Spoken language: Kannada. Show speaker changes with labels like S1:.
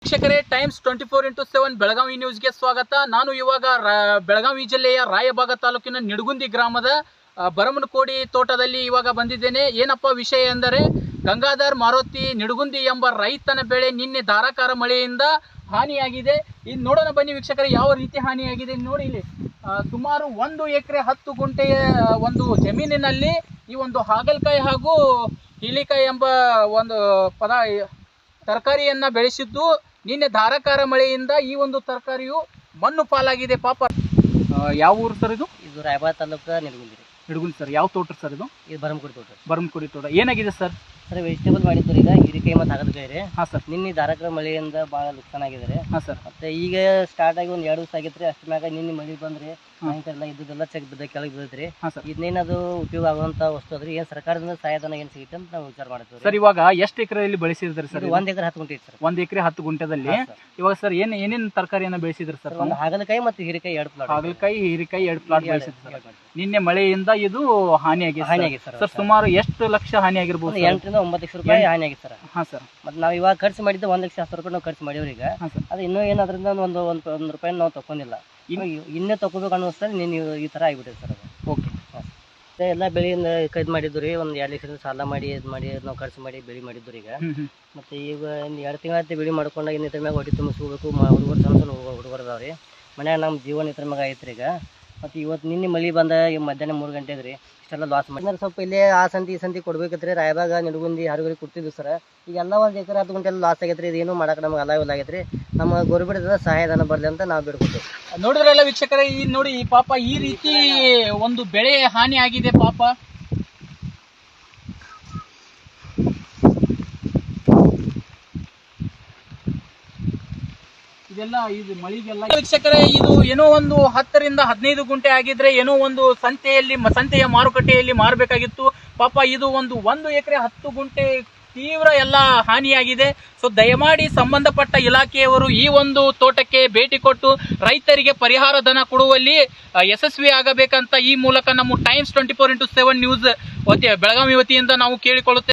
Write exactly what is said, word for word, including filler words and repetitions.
S1: ವೀಕ್ಷಕರೇ, Times twenty four into seven Belagavi ನ್ಯೂಸ್ಗೆ ಸ್ವಾಗತ. ನಾನು ಇವಾಗ ಬೆಳಗಾವಿ ಜಿಲ್ಲೆಯ ರಾಯಬಾಗ ತಾಲೂಕಿನ ನಿಡಗುಂದಿ ಗ್ರಾಮದ ಬರಮನಕೋಡಿ ತೋಟದಲ್ಲಿ ಇವಾಗ ಬಂದಿದ್ದೇನೆ. ಏನಪ್ಪ ವಿಷಯ ಎಂದರೆ, ಗಂಗಾಧರ್ ಮಾರುತಿ ನಿಡಗುಂದಿ ಎಂಬ ರೈತನ ಬೆಳೆ ನಿನ್ನೆ ಧಾರಾಕಾರ ಮಳೆಯಿಂದ ಹಾನಿಯಾಗಿದೆ. ಇದು ನೋಡೋಣ ಬನ್ನಿ ವೀಕ್ಷಕರೇ, ಯಾವ ರೀತಿ ಹಾನಿಯಾಗಿದೆ ನೋಡಿ. ಇಲ್ಲಿ ಸುಮಾರು ಒಂದು ಎಕರೆ ಹತ್ತು ಗುಂಟೆಯ ಒಂದು ಜಮೀನಿನಲ್ಲಿ ಈ ಒಂದು ಹಾಗಲಕಾಯಿ ಹಾಗೂ ಹೀಲಿಕಾಯಿ ಎಂಬ ಒಂದು ಪದ ತರಕಾರಿಯನ್ನ ಬೆಳೆಸಿದ್ದು ನಿನ್ನೆ ಧಾರಾಕಾರ ಮಳೆಯಿಂದ ಈ ಒಂದು ತರಕಾರಿಯು ಮಣ್ಣು ಪಾಲಾಗಿದೆ. ಪಾಪ ಯಾವ ಊರು ಸರ್ ಇದು?
S2: ಇದು ರಾಯಬಾಗ ತಾಲೂಕು ನಿಡಗುಂದಿ.
S1: ನಿಡಗುಂದಿ ಸರ್. ಯಾವ ತೋಟ ಸರ್ ಇದು?
S2: ಇದು ಬರಮಕೋಡಿ ತೋಟ.
S1: ಬರಮಕೋಡಿ ತೋಟ. ಏನಾಗಿದೆ ಸರ್?
S2: ಸರ್ ವೆಜಿಟೇಬಲ್ ಮಾಡಿದ್ರು ಈಗ ಹೀರಿಕಾಯಿ ಮತ್ತು ಹಾಗಲಕಾಯಿ ರೀ.
S1: ಹಾಂ ಸರ್.
S2: ನಿನ್ನೆ ಧಾರಾಕಾರ ಮಳೆಯಿಂದ ಭಾಳ ನುಕ್ಸಾನ್ ಆಗಿದೆ.
S1: ಹಾಂ ಸರ್.
S2: ಮತ್ತೆ ಈಗ ಸ್ಟಾರ್ಟ್ ಆಗಿ ಒಂದು ಎರಡು ದಿವಸ ಆಗಿತ್ತು. ಅಷ್ಟ ಮ್ಯಾಗ ನಿನ್ನೆ ಮಳೆ ಬಂದ್ರೆ ಸಾಯಂಕಾಲ ಇದ್ದೆಲ್ಲ ಚೆಕ್ ಬಿದ್ದ ಕೆಳಗೆ ಬಿದ್ದೈತ್ರಿ. ಇದನ್ನೇನದು ಉಪಯೋಗ ಆಗುವಂತ ವಸ್ತು ಅದ್ರಿ. ಏನ್ ಸರ್ಕಾರದಿಂದ ಸಹಾಯಧನ ಏನ್ ಸಿಗುತ್ತೆ ಅಂತ ನಾವು ವಿಚಾರ ಮಾಡ್ತೀವಿ
S1: ಸರ್. ಇವಾಗ ಎಷ್ಟು ಎಕರೆಯಲ್ಲಿ ಬೆಳೆಸಿದ್ರಿ ಸರ್?
S2: ಒಂದ್ ಎಕರೆ ಹತ್ತು ಗುಂಟೆ ಸರ್.
S1: ಒಂದ್ ಎಕರೆ ಹತ್ತು ಗುಂಟೆದಲ್ಲಿ ಇವಾಗ ಸರ್ ಏನ್ ಏನೇನ್ ತರಕಾರಿಯನ್ನ ಬೆಳೆಸಿದ್ರಿ ಸರ್?
S2: ಒಂದು ಹಾಗಲಕಾಯಿ ಮತ್ತು ಹೀರಿಕಾಯಿ ಎರಡು ಪ್ಲಾಟ್.
S1: ಹಾಗಲಕಾಯಿ ಹೀರಿಕಾಯಿ ಎರಡು ಪ್ಲಾಟ್ ಬೆಳೆಸಿದ್ರಿ. ನಿನ್ನೆ ಮಳೆಯಿಂದ ಇದು ಹಾನಿಯಾಗಿದೆ.
S2: ಹಾನಿಯಾಗಿದೆ ಸರ್.
S1: ಸರ್ ಸುಮಾರು ಎಷ್ಟು ಲಕ್ಷ ಹಾನಿ ಆಗಿರ್ಬೋದು?
S2: ಎಂಟರಿಂದ ಒಂಬತ್ತು ಲಕ್ಷ ರೂಪಾಯಿ ಹಾನಿ ಆಗಿದೆ ಸರ್.
S1: ಹಾ ಸರ್.
S2: ಮತ್ತೆ ನಾವು ಇವಾಗ ಖರ್ಚು ಮಾಡಿದ್ದು ಒಂದ್ ಲಕ್ಷ ಹತ್ತು ರೂಪಾಯಿ ನಾವು ಖರ್ಚು ಮಾಡಿವ್ರಿ. ಈಗ ಅದು ಇನ್ನೂ ಏನು ಅದರಿಂದ ಒಂದು ಒಂದು ಒಂದು ರೂಪಾಯಿ ನಾವು ತಗೊಂಡಿಲ್ಲ. ಇನ್ನೇ ತಗೋಬೇಕು ಅನ್ನಿಸ್ತಾರೆ ನೀನು ಈ ತರ ಆಗಿಬಿಟ್ಟಿದೆ ಸರ್. ಅದು
S1: ಓಕೆ.
S2: ಎಲ್ಲ ಬೆಳೆಯಿಂದ ಕೈದು ಮಾಡಿದ್ದು ರೀ. ಒಂದು ಎರಡು ಲಕ್ಷದಿಂದ ಸಾಲ ಮಾಡಿ ಇದು ಮಾಡಿ ನಾವು ಖರ್ಚು ಮಾಡಿ ಬೆಳೆ ಮಾಡಿದ್ದು ಈಗ. ಮತ್ತೆ ಈಗ ಎರಡು ತಿಂಗಳಾಯ್ತು ಬೆಳೆ ಮಾಡ್ಕೊಂಡಾಗ ಇನ್ನು ಇದ್ರ ಮ್ಯಾಗ ಹೊಟ್ಟೆ ತುಂಬಿಸ್ಕೋಬೇಕು. ಹುಡುಗರು ಸಣ್ಣ ಸಣ್ಣ ಹುಡುಗರು ಅದಾವ್ರಿ. ಮನ್ಯಾಗ ನಮ್ಮ ಜೀವನ ಇದ್ರ ಮ್ಯಾಗ ಐತ್ರಿ ಈಗ. ಮತ್ತು ಇವತ್ತು ನಿನ್ನೆ ಮಳೆ ಬಂದ ಮಧ್ಯಾಹ್ನ ಮೂರು ಗಂಟೆಗೆ ರೀ ಇಷ್ಟೆಲ್ಲ ಲಾಸ್ ಮಾಡಿ ಸ್ವಲ್ಪ ಇಲ್ಲೇ ಆ ಸಂತಿ ಈ ಸಂತಿ ಕೊಡ್ಬೇಕೈತ್ರಿ. ರಾಯಬಾಗ ನಿಡಗುಂದಿ ಹರಗುರಿ ಕೊಡ್ತಿದ್ವಿ ಸರ್. ಈಗೆಲ್ಲ ಒಂದು ಎಕರೆ ಹತ್ತು ಗಂಟೆ ಲಾಸ್ ಆಗೈತ್ರಿ. ಇದೇನು ಮಾಡಕ್ಕೆ ನಮ್ಗೆ ಅಲ್ಲ ಇಲ್ಲ ಆಗೈತ್ರಿ. ನಮ್ಮ ಗೌರ್ಮೆಂಟ್ ಸಹಾಯಧನ ಬರಲಿ ಅಂತ ನಾವು ಬಿಡ್ಕೊತೀವಿ.
S1: ನೋಡಿದ್ರಲ್ಲ ವೀಕ್ಷಕರೇ, ಈ ನೋಡಿ ಈ ಪಾಪ ಈ ರೀತಿ ಒಂದು ಬೆಳೆ ಹಾನಿ ಆಗಿದೆ ಪಾಪ. ಇದೆಲ್ಲ ಇದು ಮಳಿಗೆಲ್ಲ ವೀಕ್ಷಕರೇ, ಇದು ಏನೋ ಒಂದು ಹತ್ತರಿಂದ ಹದಿನೈದು ಗುಂಟೆ ಆಗಿದ್ರೆ ಏನೋ ಒಂದು ಸಂತೆಯಲ್ಲಿ ಸಂತೆಯ ಮಾರುಕಟ್ಟೆಯಲ್ಲಿ ಮಾರಬೇಕಾಗಿತ್ತು. ಪಾಪ ಇದು ಒಂದು ಒಂದು ಎಕರೆ ಹತ್ತು ಗುಂಟೆ ತೀವ್ರ ಎಲ್ಲ ಹಾನಿಯಾಗಿದೆ. ಸೊ ದಯಮಾಡಿ ಸಂಬಂಧಪಟ್ಟ ಇಲಾಖೆಯವರು ಈ ಒಂದು ತೋಟಕ್ಕೆ ಭೇಟಿ ಕೊಟ್ಟು ರೈತರಿಗೆ ಪರಿಹಾರ ಧನ ಕೊಡುವಲ್ಲಿ ಯಶಸ್ವಿ ಆಗಬೇಕಂತ ಈ ಮೂಲಕ ನಮ್ಮ Times twenty four into seven news ವತಿ ಬೆಳಗಾವಿ ವತಿಯಿಂದ ನಾವು ಕೇಳಿಕೊಳ್ಳುತ್ತೇವೆ.